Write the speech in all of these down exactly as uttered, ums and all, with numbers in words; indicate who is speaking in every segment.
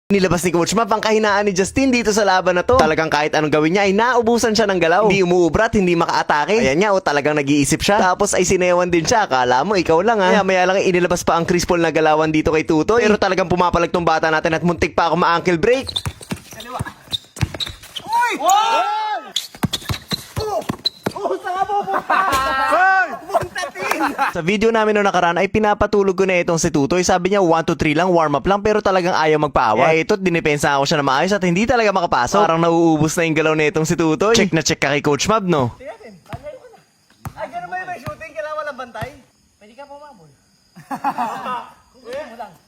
Speaker 1: Nilabas ni Coach Map ang kahinaan ni Justin dito sa laban na to. Talagang kahit anong gawin niya ay naubusan siya ng galaw. Hindi umuubrat, hindi makaatake. Ayan nga, o talagang nag-iisip siya. Tapos ay sinewan din siya. Akala mo, ikaw lang ha. Kaya maya lang inilabas pa ang Chris Paul na galawan dito kay Tutoy. Pero talagang pumapalag tong bata natin at muntik pa ako ma-ankle break.
Speaker 2: Kaliwa. Uy! Wow! Oh! Oh, saan mo po?
Speaker 1: Sa video namin noong nakaraan ay pinapatulog ko na itong si Tutoy. Sabi niya one to three lang, warm up lang, pero talagang ayaw magpaawa. Eh ito't dinipensa ako siya na maayos at hindi talaga makapasok. Parang nauubos na yung galaw na itong si Tutoy. Check na check ka kay Coach Mab, no?
Speaker 2: Tiyasin, panay ko na. Ay, gano'n ba yung may shooting? Kailangan walang bantay? Pwede ka pumabol. Kuya mo lang.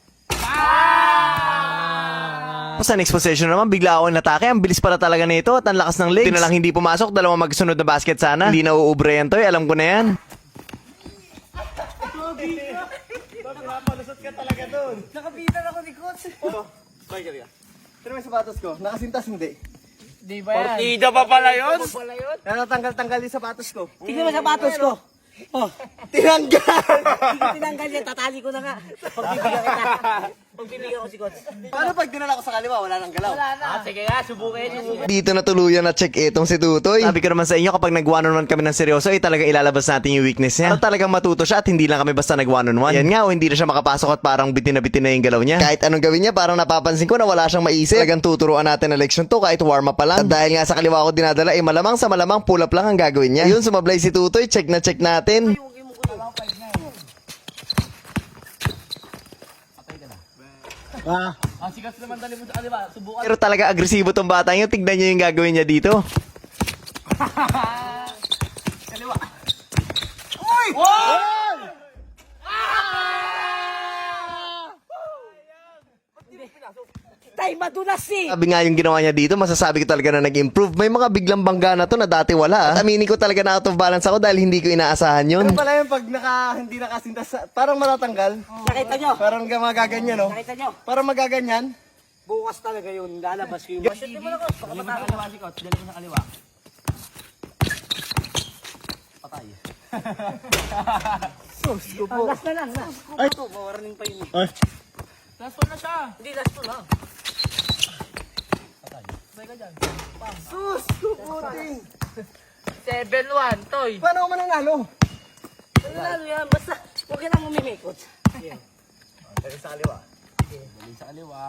Speaker 1: Sa next possession naman, bigla ako natake. Ang bilis pala talaga nito at ang lakas ng legs. Di na lang hindi pumasok, dalawang magsunod na basket sana. Hindi na uubre yan, Toy. Alam ko na yan.
Speaker 2: Pinapalusot ka talaga doon. Nakapitan ako ni Coach. Oh, bye ka. Pero may sapatos ko. Nakasintas hindi.
Speaker 3: Di ba yan?
Speaker 2: Partida pa pala yun?
Speaker 3: Di pala yun?
Speaker 2: Natanggal-tanggal yung sapatos ko.
Speaker 3: Tingnan mo sapatos ko. Oh,
Speaker 2: Tinanggal!
Speaker 3: hindi tinanggal yan. Tatali ko na nga. Pagbibigyan kita. Pagbibigyan ko si Coach.
Speaker 2: Paano pag dinala ko sa kaliwa? Wala nang galaw.
Speaker 3: Wala na. Ah, sige nga, subukin. subukin.
Speaker 1: Dito na tuluyan na check itong si Tutoy. Sabi ko naman sa inyo, kapag nag one on one kami ng seryoso, ay talagang ilalabas natin yung weakness niya. At talagang matuto siya at hindi lang kami basta nag one on one. Yan nga, o hindi na siya makapasok at parang bitin na bitin na yung galaw niya. Kahit anong gawin niya, parang napapansin ko na wala siyang maisip. Talagang tuturuan natin na leksyon to kahit warm up pa lang. At dahil nga sa kaliwa ko dinadala, eh malamang sa malamang pull up lang ang gagawin niya. Yun, sumablay si Tutoy, check na check natin.
Speaker 2: Ah.
Speaker 3: Ah, sigas naman dali mo sa kaliwa. Subukan.
Speaker 1: Pero talaga agresibo tong bata niyo. Tignan niyo yung gagawin niya dito.
Speaker 2: Kaliwa. Uy! Wow!
Speaker 3: Tay, madulas eh.
Speaker 1: Sabi nga yung ginawa niya dito, masasabi ko talaga na nag-improve. May mga biglang bangga na to na dati wala. At aminin ko talaga na out of balance ako dahil hindi ko inaasahan yun.
Speaker 2: Ano pala yung pag naka, hindi nakasintas, parang matatanggal?
Speaker 3: Nakita nyo?
Speaker 2: Parang magaganyan, no?
Speaker 3: Nakita nyo?
Speaker 2: Parang magaganyan?
Speaker 3: Bukas talaga yun. Lalabas ko yung machine. Dali mo na, Coach. Dali mo sa kaliwa si Coach. Dali mo sa kaliwa. Patay.
Speaker 2: Sus, ko
Speaker 3: Ah, last na lang. Last. Ay, ito. Mawarning pa yun.
Speaker 2: Ay.
Speaker 3: Last one na siya. Hindi, last one lang. Patay. Patay ka dyan.
Speaker 2: Sus, kuputing.
Speaker 3: seven one, Toy.
Speaker 2: Paano ako mananalo?
Speaker 3: Nanalo yan. Basta, huwag ka lang umimikot.
Speaker 2: Dali sa kaliwa.
Speaker 3: Dali sa kaliwa.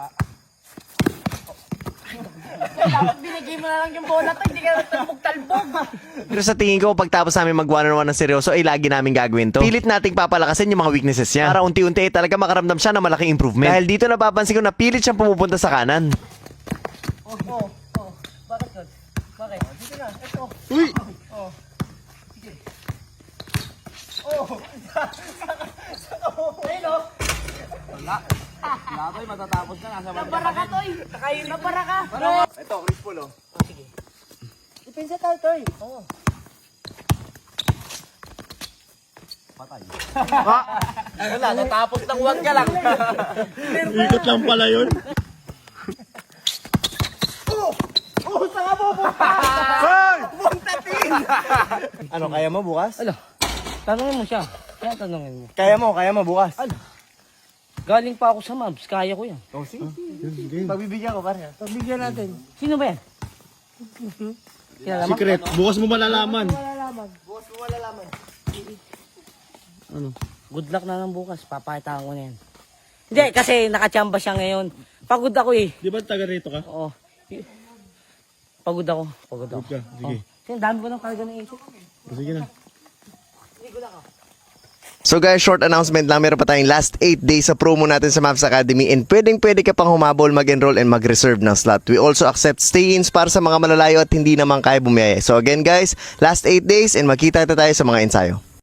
Speaker 3: Dapat binigay mo na lang yung bola to, hindi ka talbog-talbog.
Speaker 1: Pero sa tingin ko, pagtapos namin mag one on one ng seryoso, ay lagi namin gagawin to. Pilit nating papalakasin yung mga weaknesses niya. Para unti-unti ay talaga makaramdam siya ng malaking improvement. Dahil dito napapansin ko na pilit siyang pumupunta sa kanan.
Speaker 3: Oh, oh, oh. Bakit yun? Bakit? Dito na, ito.
Speaker 2: Uy!
Speaker 3: Oh.
Speaker 2: Oh!
Speaker 3: Ayun o. Wala. Wala, Toy. Matatapos na. Nasa Nabara ka, Toy. Nakain. Nabara ka.
Speaker 2: Ito, Chris Paul, oh.
Speaker 3: Oh, sige. Depensa tayo, Toy. Oo. Patay.
Speaker 2: Wala, natapos ng huwag ka lang.
Speaker 4: Ikot lang pala yun.
Speaker 2: Oh! Oh, saan ka pupunta? Buntatin! Ano, kaya mo bukas?
Speaker 3: Ano? Tanungin mo siya. Kaya tanungin mo.
Speaker 2: Kaya mo, kaya mo bukas?
Speaker 3: Ano? Galing pa ako sa Mavs. Kaya ko yan.
Speaker 2: Oh, sige. Pagbibigyan ko, pare.
Speaker 3: Pagbigyan natin. Sino ba yan? Kilala mo?
Speaker 4: Secret. Bukas mo malalaman.
Speaker 2: Bukas mo malalaman.
Speaker 3: Ano? Good luck na lang bukas. Papakitaan ko na yan. Hindi, kasi nakachamba siya ngayon. Pagod ako eh.
Speaker 4: Di ba taga rito ka?
Speaker 3: Oo. Pagod ako. Pagod ako.
Speaker 4: Pagod ka. Sige.
Speaker 3: Oh. Kasi ang dami ko ng karga ng isip.
Speaker 4: Sige na.
Speaker 1: So guys, short announcement lang. Meron pa tayong last eight days sa promo natin sa Mavs Academy and pwedeng pwede ka pang humabol, mag-enroll and mag-reserve ng slot. We also accept stay-ins para sa mga malalayo at hindi naman kaya bumiyaya. So again guys, last eight days and magkita tayo sa mga ensayo.